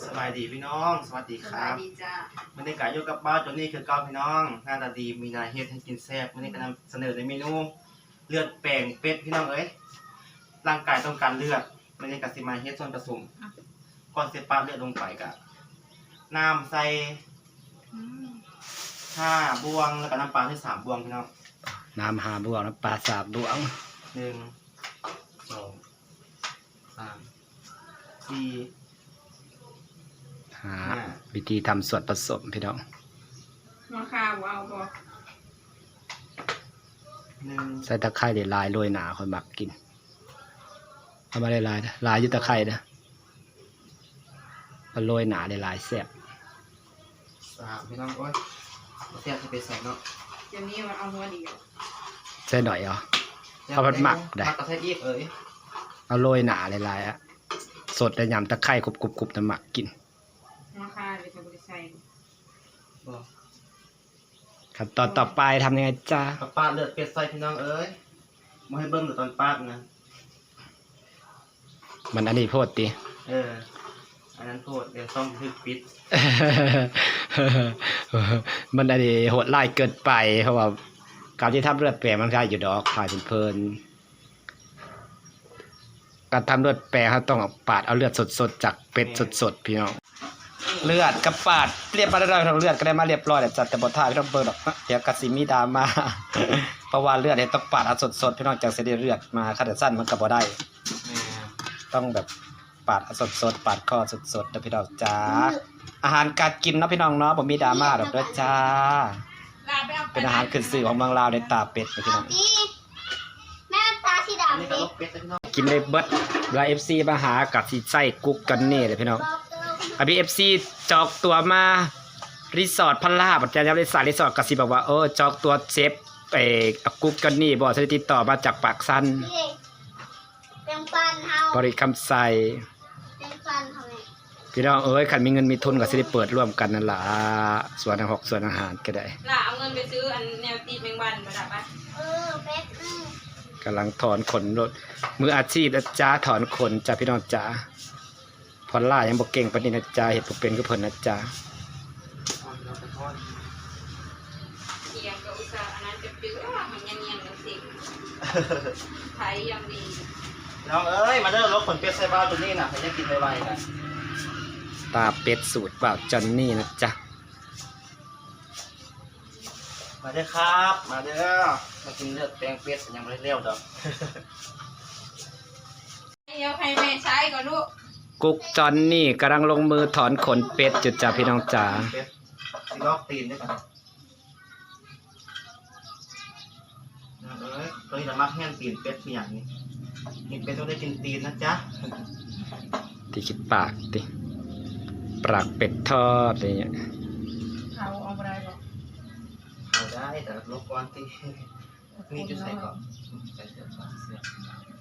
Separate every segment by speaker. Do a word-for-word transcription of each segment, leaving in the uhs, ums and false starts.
Speaker 1: สบายดีพี่น้องสวัสดีครับวันนี้กายอยู่กับบ้านจนนี่คือเก้าพี่น้องหน้าตาดีมีนาเฮ็ดให้กินแซ่บวันนี้ก็นำเสนอในเมนูเลือดแป้งเป็ดพี่น้องเอ้ยร่างกายต้องการเลือดวันนี้ก็สิมาเฮ็ดส่วนผสมก่อนเสร็จปั๊บเลือดลงไปกับน้ำใส่ห้าบวงแล้วก็น้ำปลาที่สามบวงพี่น้อง
Speaker 2: น้ำห้าบวงน้ำปลาสามบวง
Speaker 1: หนึ่งสองสามสี่
Speaker 2: หาวิธีทำส่วนผสมพี่น้อง
Speaker 3: มาข้าวเอาบ่
Speaker 2: ใส่ตะไคร้เดี๋ยวลายโรยหนาคนมักกินเอามาได้ลายนะลายยุตะไคร้นะมาโรยหนาได้ลายแซ่บ
Speaker 1: สามพี่น้องโอ้ยแซ่บจะไปใส่เนาะ
Speaker 3: เดี๋ยวนี้มันเอาหัวดี
Speaker 2: ใส่หน่อยเหรอเอาผัดหมักได้
Speaker 1: กระเทียมอีกเอ้ย
Speaker 2: เอาโรยหนาได้ลายอะสดแต่ยำตะไคร้กรุบกรุบกรุบน้ำหมักกิน
Speaker 3: มาข้าวเลยจะบริใส่
Speaker 2: ขั้นตอนต่อไปทำยังไงจ้า
Speaker 1: ป้าเลือดเป็ดใส่พี่น้องเอ้ยมาให้เบิ้งหรือตอนป้านะ
Speaker 2: มันอันนี้โพดตี
Speaker 1: เอออันนั้นโพดเดี๋ยวต้องทึกปิด
Speaker 2: มันอันนี้โหดไล่เกินไปเพราะว่าการที่ทำเลือดแปลงมันก็อยู่ดอกถ่ายเพลินการทำเลือดแปลงเขาต้องปาดเอาเลือดสดๆจากเป็ดสดๆพี่น้องเลือดกับปาดเรียบมาได้เราเลือดก็ได้มาเรียบร้อยแต่จัดแต่บทท่าพี่น้องเบิร์ดอกเดี๋ยวกระสีมีดามาเพราะว่าเลือดเนี่ยต้องปาดเอาสดๆพี่น้องจากเสด็จเลือดมาขนาดสั้นมันก็บ่ได้ต้องแบบปาดเอาสดๆปาดคอสดๆนะพี่น้องจ้าอาหารการกินเนาะพี่น้องเนาะบ่มีดราม่าดอกด้วยจ้าเป็นอาหารขึ้นชื่อของเมืองลาวในตาเป็ดนะพี่น้อง
Speaker 4: แม่ตาสีดำดิ
Speaker 2: กินได้เบิดเวลา เอฟ ซี มาหากับสีไส้กุ๊กกันนี่เลยพี่น้องอภิ เอฟ ซี จอกตัวมารีสอร์ทพันลาบอาจารย์บริษัทรีสอร์ทกับสีบอกว่าเออจอกตัวเซฟไปกุ๊กกันนี่บอกจะติดต่อมาจากปากซันบริคำใส่พี่น้องเอ้ยขันมีเงินมีทุนกับสิได้เปิดร่วมกันนั่นแหละส่วนอาหารส่วนอาหารก็ได้
Speaker 3: ล่ะเอาเงินไปซื้ออันแนวตีแมงวันมาดับปะ
Speaker 4: เออเป๊ก
Speaker 2: กำลังถอนขนรถมืออาชีพนะจ้าถอนขนจ้าพี่น้องจ้าพอล่ายังบอกเก่งปานนี้นะจ้าเห็ดเป็นก็เพิ่นนะจ้า
Speaker 3: เทียงกับอุตสาห์อันนั้นจะปิ้วมันยังยังกันสิไทยยังดี
Speaker 1: น้องเอ้ยมาเด้อรถขนเป็ดใส่บ้านตัวนี้น่ะใครจะกินไวๆนะ
Speaker 2: ตาเป็ดสูตรบ่าวจอนนี่นะจ๊ะ
Speaker 1: มาเด้อครับมาเด้อมากินเลือดแป้งเป็ดยังไม่ได้เลี้ยวดอก
Speaker 3: เดี๋ยวใครแม่ใช้ก่อนลูก
Speaker 2: กุ๊กจอนนี่กำลังลงมือถอนขนเป็ดจุดจ้าพี่น้องจ๋า
Speaker 1: ซีลอกตีนด้วยกันเอ้ยตัวนี้จะมักแห้งตีนเป็ดเป็นอย่างนี้กินเป็ดต้องได้กินตีนนะจ๊ะ
Speaker 2: ที่คิดปากดิปากเป็ดทอดอะไรเงี้ย
Speaker 3: เขาเอาไปได้หรอ
Speaker 1: เอาได้แต่ลบก่อนที่นี่จะใส่ก่อนใส่เสื้อผ้าเสื้อ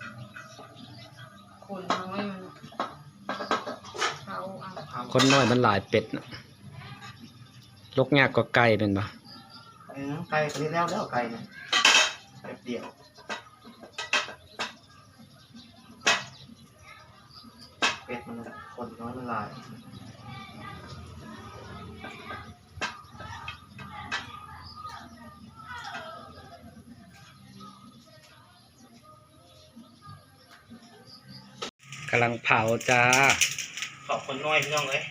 Speaker 3: คนน้อยมันเขาเอา
Speaker 2: คนน้อยมันหลายเป็ดนะลกยากก็ไก่เป็นปะ
Speaker 1: เออไก่ตัวนี้แล้วแล้วไก่เนี่ยไก่เดี่ยวเป็ดมันคนน้อยมันหลาย
Speaker 2: กำลังเผาจ้า
Speaker 1: ขอบคนน้อยพี่น้องเลย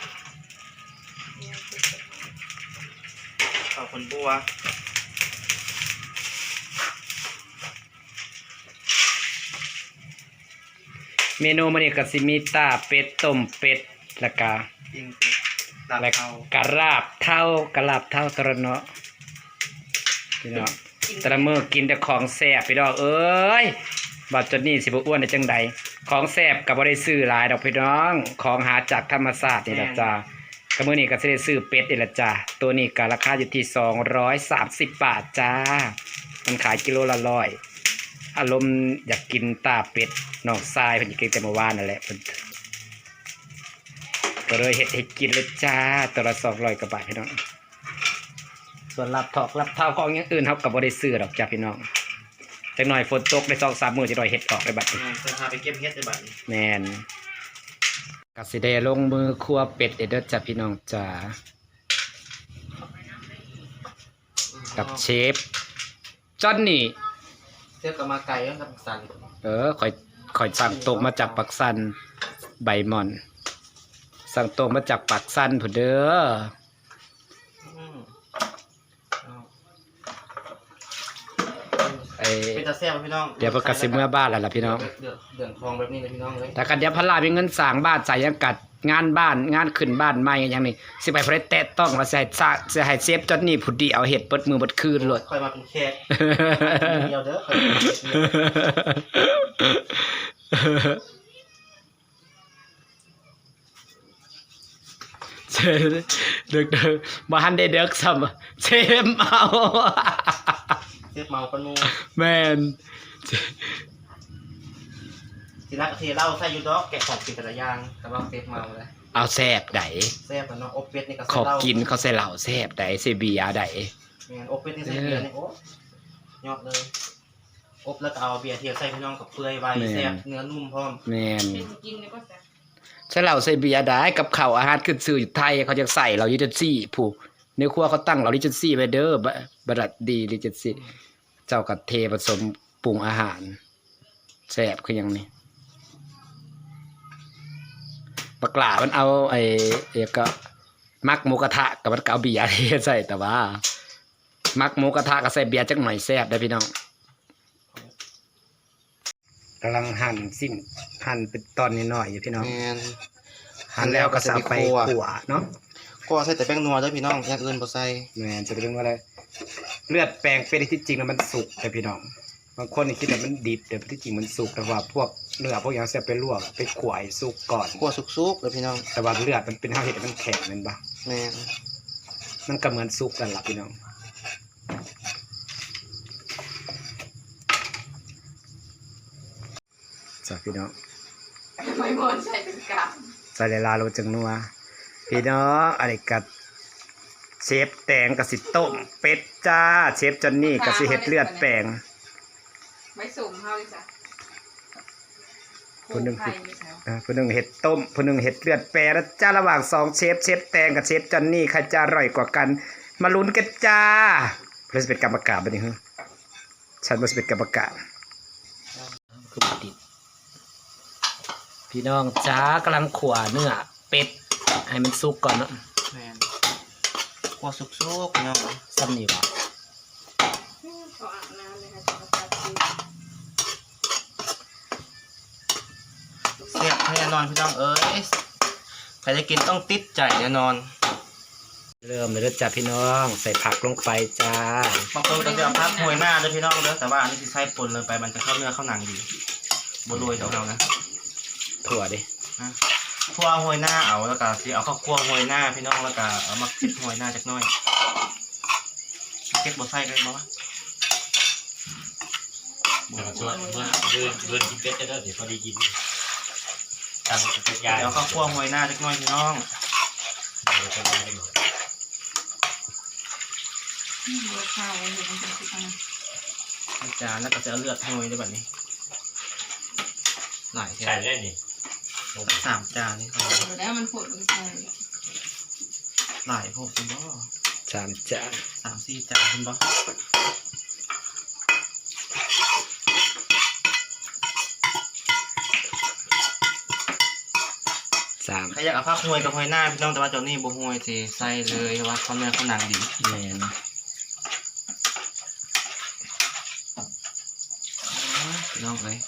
Speaker 1: ขอบคนบัว
Speaker 2: เมนูมันนี่ก็สิมีตาเป็ดต้มเป็ดแล้วก็แล้วกระลาบเท่ากระลาบเท่ากระเนาะพี่น้องแต่ละมื้อกินแต่ของแซ่บพี่น้องเอ้ยบาดจนนี่สิบอ้วนได้จังใดของแซ่บกับบ่ได้ซื้อหลายดอกพี่น้องของหาจากธรรมชาตินี่ละจ้ากระมื้อนี้ก็สิได้ซื้อเป็ดนี่ละจ้าตัวนี้ก็ราคาอยู่ที่สองร้อยสามสิบบาทจ้ามันขายกิโลละร้อยอารมณ์อยากกินตาเป็ดน้องทรายเพิ่นกินแต่เมื่อวานนั่นแหละเพิ่นก็เลยเฮ็ดให้กินเลยจ้าตัวละสองร้อยกว่าบาทพี่น้องส่วนรับถอกรับเท้าของอย่างอื่นเฮาก็บ่ได้ซื้อดอกจ้าพี่น้องจังหน่อยฝนตกได้สองสามมื้อจะหน่อยเฮ็ดออกได้บัดนี้
Speaker 1: จะพาไปเก็บเฮ็ดได้บัดนี้
Speaker 2: แม่นกก็สิได้ลงมือครัวเป็ดเด้อจ้ะพี่น้องจ๋ากับเชฟจอนนี่
Speaker 1: เทียบกับมาไก่กับปักสัน
Speaker 2: เออข่อยข่อยสั่งตรงมาจากปักสันใบหม่อน สั่งตรงมาจากปักสันผู้เด้อ
Speaker 1: อืมเอา
Speaker 2: ไอ้
Speaker 1: เป็นตาแซ่บพี่น้อง
Speaker 2: เดี๋ยวเพิ่นก็สิเมื่อบ้านแล้วล่ะพี่น้อง
Speaker 1: เดือดเดือดทองแบบนี้เลยพี่น้องเลย
Speaker 2: แต่กันเดี๋ยวพลามีเงินสร้างบ้านใส่ยังกัดงานบ้านงานขึ้นบ้านใหม่อย่างนี้สิไปบ่ได้แตะต้องว่าสิให้ซะสิให้เซฟจอนนี่ผู้เดียวเฮ็ดเบิดมือเบิดคืนโลด
Speaker 1: ค่อยมาเป็นแขกเดียวเด้อค่อยมาเป็นแขก
Speaker 2: เซเด็กๆบ่ทันได้เด็กซ้ำเซฟเอา
Speaker 1: เทียบเมากันมู
Speaker 2: แม่น
Speaker 1: ทีแรกเทเหล้าใส่ยูดอกแกะของกินแต่ละอย่างแต่ว่าเทียบเมาเลย
Speaker 2: เอาแซ่บได
Speaker 1: แซ่บแล้วเนาะอบเป็ดนี่ก็
Speaker 2: ข
Speaker 1: ใส่
Speaker 2: อ
Speaker 1: เหล้า
Speaker 2: กินเขาใส่เหล้าแซ่บไดใส่เบียร์ได
Speaker 1: แม่นอบเป็ดนี่ใส่เบียร์นี่โอ้ยอดเลยอบแล้วก็เอาเบียร์เทียบใส่พี่น้องกับเปื่อยไว้แซ่บเนื้อนุ่มพร้อม
Speaker 2: แม่น
Speaker 3: เป็นกินแล้วก็จะ
Speaker 2: ใส่เหล้าใส่เบียร์ได้กับข้าวอาหารขึ้นชื่ออยู่ไทยเขาจะใส่เหล้าลิเจนซี่ผู้ในครัวเขาตั้งเหล้าลิเจนซี่ไว้เด้อบะบรัดดีลิเจนซี่เจ้าก็เทผสมปรุงอาหารแซ่บคือหยังนี่บักหลามันเอาไอ้เอกก็มักหมูกระทะกับมันก็เอาเบียร์เทใส่แต่ว่า มักหมูกระทะก็ใส่เบียร์จักหน่อยแซ่บได้อพี่น้องกำลังหั่นสิ้นหั่นเป็นตอนน้อยๆอยู่พี่น้อง
Speaker 1: แม่น
Speaker 2: หั่นแล้วก็จะเอาไปขั่วเนาะ
Speaker 1: ก็ใส่แต่แป้งนัวเด้อพี่น้องอย่างอื่นบ่ใส่
Speaker 2: แม่นจะไปเรื่องว่าอะไรเลือดแปลงเป็ดที่จริงแล้วมันสุกแต่พี่น้องบางคนนี่คิดว่ามันดิบแต่ที่จริงมันสุกแต่ว่าพวกเนื้อพวกอย่างเสียไปลวกไปขวายสุกก่อน
Speaker 1: คั่วสุกๆเลยพี่น้อง
Speaker 2: แต่ว่าเลือดมันเป็นเฮาเห็ดให้มันแข็งแม่นบ่
Speaker 1: แม่น
Speaker 2: มันก็เหมือนสุกกันล่ะพี่น้องจ้ะพี่น้อง
Speaker 3: ไม่หมดใส่เป็นกาบ
Speaker 2: ใส่ลายๆลงจังนัวพี่น้องอะไรกับเชฟแตงกับสิต้มเป็ดจ้าเชฟจอนนี่กับสิเห็ดเลือดแปลง
Speaker 3: ไม่สุ่มเท่าดิจ้ะ
Speaker 2: คนหนึ่ง
Speaker 3: ไข่ไม่ใช่
Speaker 2: อ่าคนหนึ่งเห็ดต้มคนหนึ่งเห็ดเลือดแปรแล้วจ้าระหว่างสองเชฟเชฟแตงกับเชฟจอนนี่ใครจะอร่อยกว่ากัน มาลุ้นกันจ้าเราจะเป็นกรรมการบ้านี้ฮะฉันมาจะเป็นกรรมการคือปฏิพี่น้องจ้ากำลังขวาเนื้อเป็ดให้มันสุกก่อนเนาะ
Speaker 1: แม่นคั่วสุกๆพี่น้อง
Speaker 2: ซ้ำนี่วะ
Speaker 3: ขออาบน้ำเลยค่ะจะมาตัดชิ้น
Speaker 1: แซ่บแน่นอนพี่น้องเอ้ยใครจะกินต้องติดใจแน่นอน
Speaker 2: เริ่มเลยเด้อจ้าพี่น้องใส่ผักลงไปจ้า
Speaker 1: บางคนก็จะเอาพักหวยหน้าเด้อพี่น้องเด้อแต่ว่าอันนี้สิใส่ปนเลยไปมันจะเข้าเนื้อเข้าหนังดีบ่โรยเดี๋ยวเอานะ
Speaker 2: ถั่วดิ
Speaker 1: คั่วหวยหน้าเอาแล้วก็สิเอาข้าวคั่วหวยหน้าพี่น้องแล้วก็เอามาคิดหวยหน้าจักหน่อยเก็บบ่ใส่กันบ่วะ
Speaker 5: เดี๋ยวส่วนเมื่อเดือนเดือนกินเป็ดจะได้เดี๋ยวพอดีกินตังเป็ดยา
Speaker 1: เดี๋ยวเอาข้าวคั่วหวยหน้าจักหน่อยพี่น้อง
Speaker 5: เดี๋ยวจะได้หมด
Speaker 3: อืมเลือดข้าวไว้เดี๋ยวมันจะสุกนะ
Speaker 1: ในจานแล้วก็จะเอาเลือดหวยด้วยแบบนี้หลาย
Speaker 5: ใช่
Speaker 1: แค่
Speaker 5: ได้นี่
Speaker 1: สามจานนี่ครับ
Speaker 3: เดี๋ยวแล้วมันผดมันใส่
Speaker 1: หลายพวกคุณบ่
Speaker 2: สามจาน
Speaker 1: สามสี่จานคุณบ่
Speaker 2: สาม
Speaker 1: ใครอยากเอาผักหวยกับหวยหน้าพี่น้องแต่ว่าเจ้านี่บ่หวยสิใส่เลยเพราะว่าเขาเนื้อเขาหนังดี
Speaker 2: แมน
Speaker 1: พี่น้องเอ้ย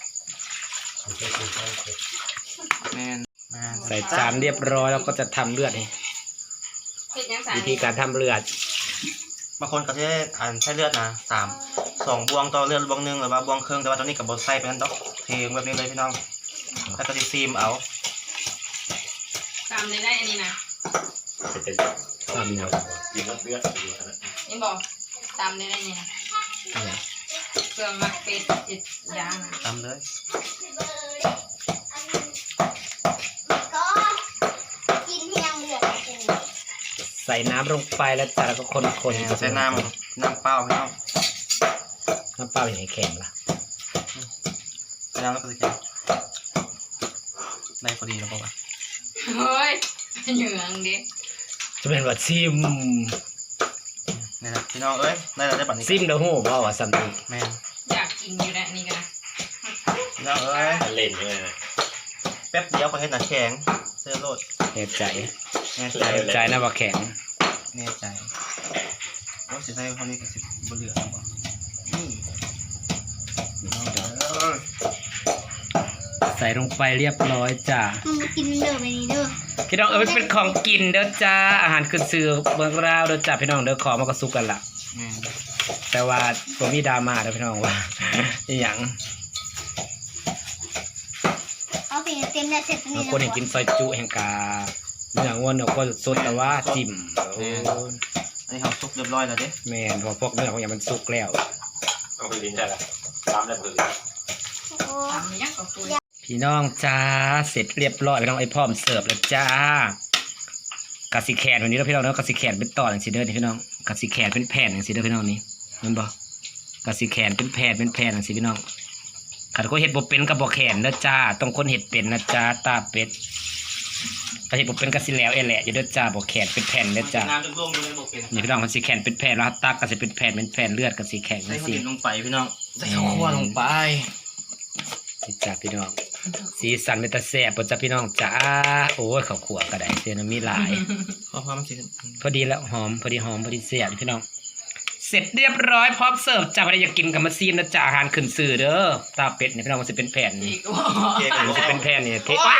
Speaker 1: แม่นแม่น
Speaker 2: ใส่จานเรียบร้อยแล้วก็จะทำเลือดนี่
Speaker 3: เห็ดยังใส่
Speaker 2: วิธีการทำเลือด
Speaker 1: บางคนก็จะอ่านใช้เลือดนะสามสองบวงต่อเลือดบวงหนึ่งหรือว่าบวงครึ่งแต่ว่าตอนนี้กับบดใส่ไปนั่นดอกเทงแบบนี้เลยพี่น้องแล้วก็จะซีมเอา
Speaker 3: ตามเลยได้อันนี้นะ
Speaker 5: เป็น
Speaker 2: ทำเนี่ย
Speaker 5: กินแล้วเลือด
Speaker 3: นี่บอกตามเลยได้นี่นะเครื่องมักเป็ดเจ็ดอย่างนะ
Speaker 1: ตามเลย
Speaker 4: ก็กินเพียงเลือดกิน
Speaker 2: ใส่น้ำลงไปแล้วจ้าแล้วก็คนคน
Speaker 1: ใส่น้ำน้ำเปล่าพี่น้อง
Speaker 2: น้ำเปล่าอย่างไรแข็งล่ะ
Speaker 1: ใส่น้ำแล้วก็จะแข็งได้พอดีแล้วป่าวะ
Speaker 3: เฮ้ยเหยืองดิ
Speaker 2: จะเป็นว่าซิม
Speaker 1: นี่นะพี่น้องเอ้ยได้แล้วได้ปันนี้
Speaker 2: ซิมเด้อฮู้บ่ว่าซั่นนี่
Speaker 1: แม่น
Speaker 3: อยากกินอยู่แล้วนี่กันนะ
Speaker 1: พี่น้องเอ้ย
Speaker 5: เล่นใช่ไหม
Speaker 1: แป๊บเดียวก็เห็นหน้าแข็งเสื้อโลด
Speaker 2: แน่ใจ
Speaker 1: แน่ใจ
Speaker 2: แน่ใจนะว่าแข็ง
Speaker 1: แน่ใจโอ้สิใส่คนนี้ก็สิบ่เหลือบ่นี่พี่น้องเด้อ
Speaker 2: ใส่ลงไปเรียบร้อยจ้า
Speaker 4: มึงมากินเด้อไปนี่เด้อ
Speaker 2: พี่น้องเอ้ยมันเป็นของกินเด้อจ้าอาหารขึ้นชื่อเมืองลาวเด้อจ้าพี่น้องเด้อของมันก็สุกกันล่ะ
Speaker 1: แม่น
Speaker 2: แต่ว่าบ่มีดราม่าเด้อพี่น้องว่า อีหยัง
Speaker 4: เอาไปเต็มแล้วเสร็จตรง
Speaker 2: บาง
Speaker 4: นี้
Speaker 2: คนเห็นกินซอยจุแห่งกาเนื้อวัวเนื้อก็สดแต่ว่าจิ้มโอ้ย
Speaker 1: อันนี้เขาซุกเรียบร้อยแล้วเด้
Speaker 2: แม่นเพอพวกเนื้อของอย่างมันสุกแล้ว
Speaker 5: เอาไปลิ้นได้ละตามได้เลย
Speaker 4: โอ้
Speaker 3: ทำไม่ยากกว่าคุย
Speaker 2: พี่น้องจ้าเสร็จเรียบร้อยพี่น้องไอ้พร้อมเสิร์ฟแล้วจ้ากะสิแขนวันนี้แล้วพี่น้องเนาะกะสิแขนเป็นตอนอย่างสิเด้อนี่พี่น้องกะสิแขนเป็นแผ่นอย่างสิเด้อพี่น้องนี่แมันบ่กะสิแขนเป็นแผ่นเป็นแผ่นอย่างสิพี่น้องขันคนเห็ดบ่เป็นกับบ่แขนเด้อจ้าต้องคนเห็ดเป็นนะจ้าตาเป็ดกะเห็ดบ่เป็นกะสิแล้วเอแหละอยู่เด้อจ้าบ่แขนเป็นแผ่นเด้อจ้า
Speaker 1: น้ำจุ่มๆอยู่ในบ่เป็น
Speaker 2: นี่พี่น้องกะสิแขนเป็นแผ่นแล้วตักกะสิเป็นแผ่นเป็นแผ่นเลือดกะสิแข็ง
Speaker 1: ใส่
Speaker 2: จัง
Speaker 1: ข้าว
Speaker 2: ซี่
Speaker 1: เหนียวลงไปพี่น้องใส่ข้าวคั่วลงไป
Speaker 2: นี่จ้าพี่น้องสีสันเป็นตาแซ่บบ่จ้าพี่น้องจ้าโอ้ยข้าวขัวก็ได้เสียน้ำมีหลาย
Speaker 1: เพราะว่ามันสิ
Speaker 2: พอดีแล้วหอมพอดีหอมพอดีเสียบพี่น้องเสร็จเรียบร้อยพร้อมเสิร์ฟจ้าพอดีอยากกินกับมาซีมนะจ้าอาหารขึ้นสื่อเด้อตาเป็ดเนี่ยพี่น้องมันจะเป็นแผ่น
Speaker 3: อี
Speaker 2: นี่
Speaker 3: กว่า
Speaker 1: เค้ก
Speaker 2: มันจะเป็นแผ่นนี่เทว้าย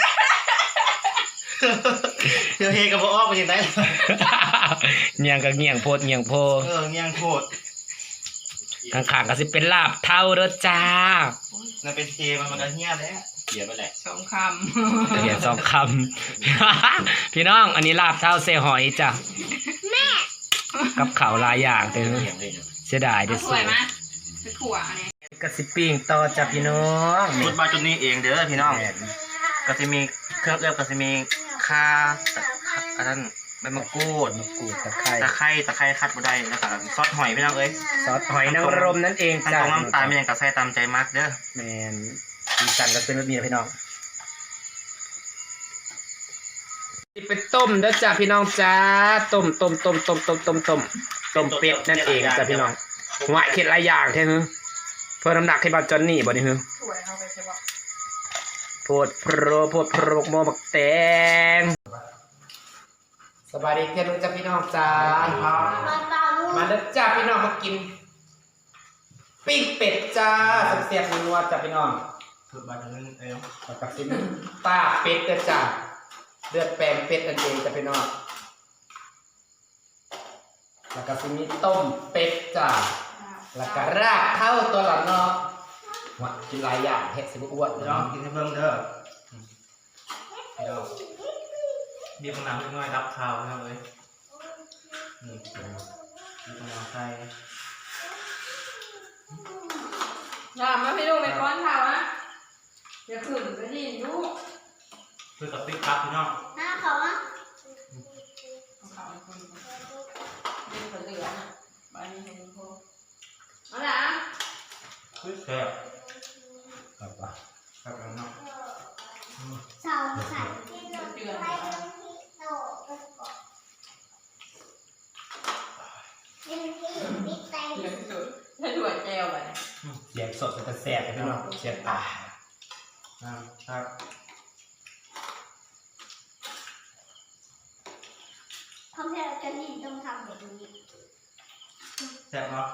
Speaker 1: เดี๋ยวเฮกับบ่ออกไปจังได๋
Speaker 2: เงียงกับเงียงโพดเงียงโพ
Speaker 1: เออเงี้ยงโคตร
Speaker 2: ข้างๆก็สิเป็นลาบเท่าเด้อจ้า
Speaker 1: นั่นเป็นเทมันมันก็เหี้ยแล้ว
Speaker 5: เกียร์ไปแหละ
Speaker 3: สองค
Speaker 2: เดี๋ยวสองคำ พี่น้องอันนี้ลาบเท่าเซหอยจ้ะกับข้าวหลายอย่างเด้อ
Speaker 5: เกียร์เลยเนี่ย
Speaker 2: เสียดาย
Speaker 3: ำ
Speaker 2: เด้อ
Speaker 3: เอา
Speaker 2: ส
Speaker 3: ถ้ว
Speaker 2: วย ย
Speaker 3: มาไปขั่วอันนี้
Speaker 2: กระสิปิ้งต่อจ้ะพี่น้อง
Speaker 1: พูดมาจนนี้เองเด้อพี่น้อง
Speaker 2: แม่น
Speaker 1: ก็จะมีเครื่องเอื้อก็จะมีข่าอันนั้นใบมะกรูด
Speaker 2: มะกรูดตะไคร้
Speaker 1: ตะไคร้ตะไคร้คัดบ่ได้แล้วก็ซอสหอยพี่น้องเอ้ย
Speaker 2: ซอสหอยนางรมนั่นเอง
Speaker 1: ขั้น
Speaker 2: จ้ะ
Speaker 1: ตรงน้ำตาลมีอย่างก็ใส่ตามใจมักเด้อ
Speaker 2: แมนสีสันก็เป็นแบบนี้นะพี่น้องนี่เป็นต้มเด้อจ้าพี่น้องจ้าต้มต้มต้มต้มต้มต้มต้มต้มเป็ดนั่นเองจ้าพี่น้องหัวเข็ดหลายอย่างแท้ฮึเพื่อน้ำหนักให้บาจอนนี่บ่นี่ฮึ
Speaker 3: ถ้วยเอาไปใช่ปะ
Speaker 2: โพดโพรโพดโพรกโมบักแตงสบายดีเพื่อนจ้าพี่น้องจ้า
Speaker 4: มาตาลูก
Speaker 2: มาเด้อจ้าพี่น้องมากินปิ้งเป็ดจ้าเสียบๆนัวๆจ้าพี่น้อง
Speaker 1: พูดมาจนนี้เอ้ย
Speaker 2: แล้วกับซิมตาเป็ดเด้อจ้าเลือดแปลงเป็ดนั่นเองจ้าพี่น้องแล้วก็ซิมีต้มเป็ดจ้าแล้วก็ราดข้าวตัวละเนาะว่ากินหลายอย่างเฮ็ดสิบ่อ้วน
Speaker 1: พี่
Speaker 2: พี่
Speaker 1: น้
Speaker 2: น้
Speaker 1: อ
Speaker 2: อง ง
Speaker 1: กินให้เบิ่งเด้อพี่น้องบีบมะนาวน้อยๆรับข้าวนะครับเอ้ยนี่บีบมะนาวใส่
Speaker 3: อย่ามาพี่ลูกไปก้อนเท้านะอย่าขืนไปดิลูก
Speaker 1: คือกับติ๊กครับพี่น้อง
Speaker 4: หน้าเขาอ่ะ
Speaker 3: เอาเขาไปคนเล่นคนเหลือน่ะบ้านนี้เห็นพวกเอาละ
Speaker 1: คือแซ่บ
Speaker 2: ครับว่า
Speaker 1: ครับพี่น้อง
Speaker 4: เสาไข่ที่เราไข่ที่โตกันก่อนยังที่ติ๊กแตง
Speaker 3: เหลือสุดถ้าถั่วแจวไปเนี่ย
Speaker 2: เสียงสดจะแซ่บพี่น้องเสียบตา
Speaker 1: นะครับ
Speaker 4: เพราะเราจะนี่ต้องทำแบบนี้
Speaker 1: แซ่บเนาะ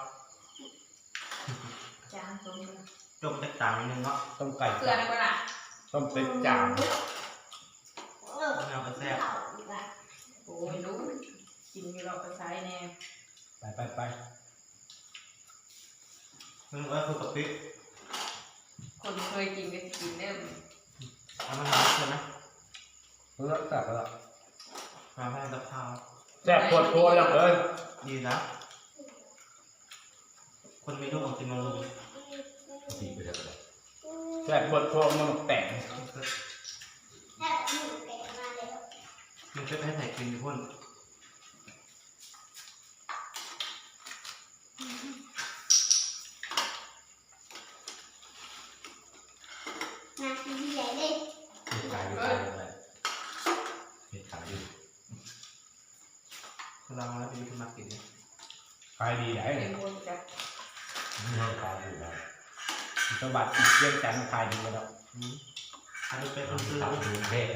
Speaker 3: จานตรงนี้
Speaker 1: จมจากต่างนิดนึงเนาะ
Speaker 2: ต้มไก่
Speaker 3: เกลือนะก็ล่ะ
Speaker 2: ต้มเป็ดจาน
Speaker 4: เออ
Speaker 1: มะนาวก็แซ่บ
Speaker 4: เขาอีกอ่ะ
Speaker 3: โอ้ยลูกกินอยู่เราก็ใช้แน่
Speaker 2: ไปไปไป
Speaker 1: มึงว่าคือกับติ๊ก
Speaker 3: คนเคยกินก็จะกินเริ่ม
Speaker 1: เอามะนาวใช่ไหม
Speaker 2: เพื่อแซ่บแล้ว
Speaker 1: มาให้กับข้าว
Speaker 2: แซ่บปวดโพยอย่างเลย
Speaker 1: ดีนะคนมีลูกของกินมาลุง
Speaker 5: ดีไปแล้วเลย
Speaker 2: แซ่บปวดโพยมันแต่ง
Speaker 4: แค่หมูแกะมาแล้ว
Speaker 1: กินเพื่อให้ใส่กินอยู่พุ่น
Speaker 4: นาทีใหญ่เลย
Speaker 5: กายอยู่กายอยู่เลย
Speaker 4: เ
Speaker 1: ลองแล้วไปกินมากินเนี่ย
Speaker 2: ขายดีได้
Speaker 3: เป็นคนจะ
Speaker 5: มีห้องขายอยู่แล้ว
Speaker 2: สมบัติเยี่ยมจันทร์ขายดีแล้ว
Speaker 1: อืมอันนี้เป็น
Speaker 5: ต้
Speaker 1: ซื้
Speaker 5: อง
Speaker 1: อ
Speaker 5: ทำดูเท่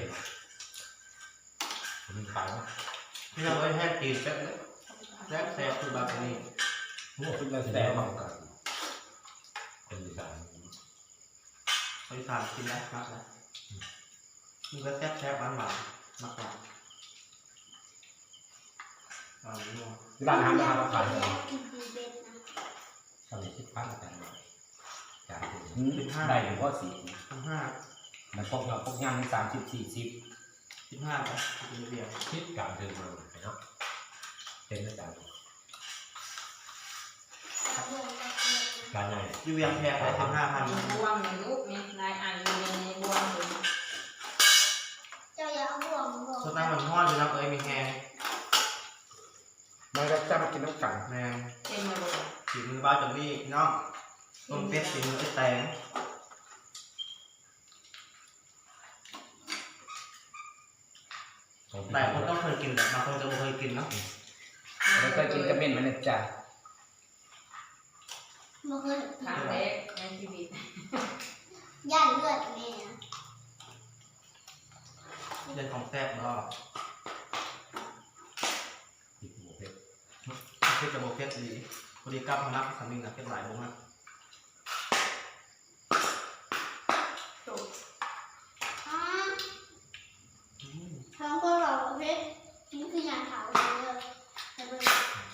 Speaker 5: มันขายว่า
Speaker 1: ที่เราไว้แห้งกินแซ่บเลยแซ่บแซ่บคือบาร์นี่
Speaker 2: หัวคุณเรา
Speaker 5: แส
Speaker 2: แส
Speaker 5: ด
Speaker 2: ด
Speaker 5: ง
Speaker 2: ง
Speaker 5: ว่ากันเป็นอีสาน
Speaker 1: บริษัทกินได้มากนะมันก็แซ่บแซ่บหวานหวานมากกว่าอ่านี่ว่า
Speaker 2: ร้านอาหารราคาขาย
Speaker 4: กินดีเด็ดนะ
Speaker 5: สมัยคิดพันกันมาจ่ายถึง
Speaker 2: ได้ถึงข้อสี่
Speaker 1: สิบห้า
Speaker 2: มันพวกเราพวกย่างสามสิบสี่สิบ
Speaker 1: สิบห้าไปกินเบียร์
Speaker 5: คิดการถึงมาเนาะเป็นอาจารย์
Speaker 4: เอาเพื่อนมาเพื่อน
Speaker 5: การไหน
Speaker 1: ยูเวียงแพงไปสิบห้าพัน
Speaker 3: มีบวงในลูกนี่นายอ่านอยู่ในบวงเลย
Speaker 4: เจ้าอย่าเอาบ่วงบ่วง
Speaker 1: สตาร์มันทอดอยู่นะเอ้ยมีแฮง
Speaker 2: มันก็จะมากินน้ำกัน
Speaker 1: แมง
Speaker 3: เต็มมาเลย
Speaker 1: สีมือบ้าจนนี่เนาะต้มเป็ดสีมือไอ้แตงหลายคนต้องเคยกินแต่บางคนจะไม่เคยกินเนาะ
Speaker 2: เราเคยกินกระเม็นมันนะจ๊ะ
Speaker 4: บ่เคย
Speaker 3: ครั้งแรกในชีวิต
Speaker 4: ย่านเลือดแม่
Speaker 1: เรื่องของแซ่บเนาะ
Speaker 5: ติดหมูเผ็ด
Speaker 1: เผ็ดจะโบเผ็ดดีพอดีกลับมานับสามีนะเผ็ดหลายบุ้งอ่ะ
Speaker 3: โต
Speaker 4: อ่าทั้งก็เราประเภทนี่คืออย่างขาวเลยแต่เป็น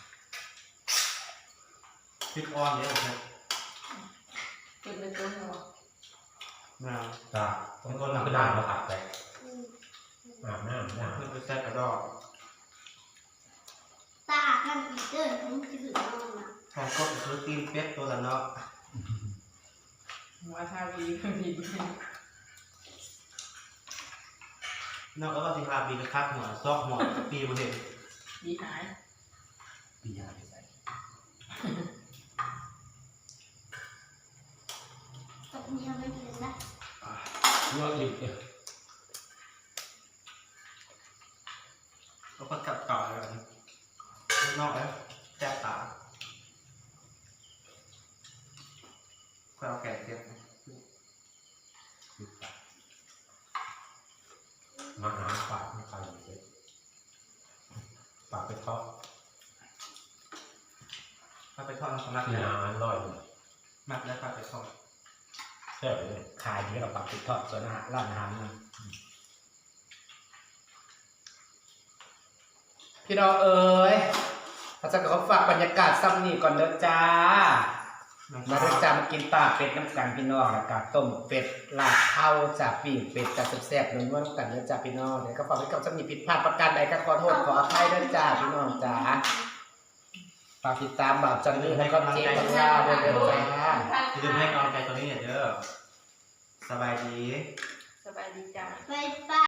Speaker 1: พริกอ่อนเนี่ยโอเค
Speaker 3: เป็นเป็นตัวหัว
Speaker 1: แมว
Speaker 5: ตาต้องก้นน้ำด่างมาผัดไป
Speaker 4: อืม
Speaker 5: อาบน้ำน้
Speaker 1: เพื่อนไปแซ่บกระดอก
Speaker 4: ตาท่านอีเดินผมจะถึงนอนนะ
Speaker 1: ของก็ซื้อตีนเป็ดตัวละเนาะ
Speaker 3: หัวทาวีก็มี
Speaker 1: นอกจากว่าสิฮาบีกระคักหัวซอกหัวปีบนเห็น
Speaker 3: ดีหาย
Speaker 5: ำปียาไปใส่
Speaker 4: กับเมียไม่กินนะ
Speaker 2: เมื่อหยุดเนี่ย
Speaker 1: แล้วก็กลับต่อเลยนอกแล้วแซ่บตาก็เอาแก่เทียบ
Speaker 5: มาหาปากไม่ใครเลยปากไปทอด
Speaker 1: ถ้าไปทอดน้ำสลัด
Speaker 5: ที่
Speaker 1: เนี่ย
Speaker 5: อาหารร่อยเลย
Speaker 1: มักแล้วปลาไปทอด
Speaker 5: ใช่เลย
Speaker 2: ขายที่เราปักติดทอดส่วนอาหารร้านอาหารนะพี่น้องเอ๋ยพระเจ้าก็ฝากบรรยากาศซ้ำนี่ก่อนเด้อจ้า มาเด้อจ้ามากินตาเป็ดน้ำกันพี่น้องแล้วก็ต้มเป็ดลาดข้าวจากปีกเป็ดจากแซ่บๆนัวๆน้ำกันเด้อจ้าพี่น้องเดี๋ยวก็ฝากไว้กับซ้ำนี่ผิดพลาดประการใดก็ขอโทษขออภัยเด้อจ้าพี่น้องจ้าฝากติดตามบ่าวจันนี่แล้วก็เจ๊ปังลาด้วยเด้อจ้า
Speaker 1: ที่จะให้กำลังใจตัวนี้เนี่ยเด้อสบายดี
Speaker 3: สบายดีจ้า
Speaker 4: ไปป้า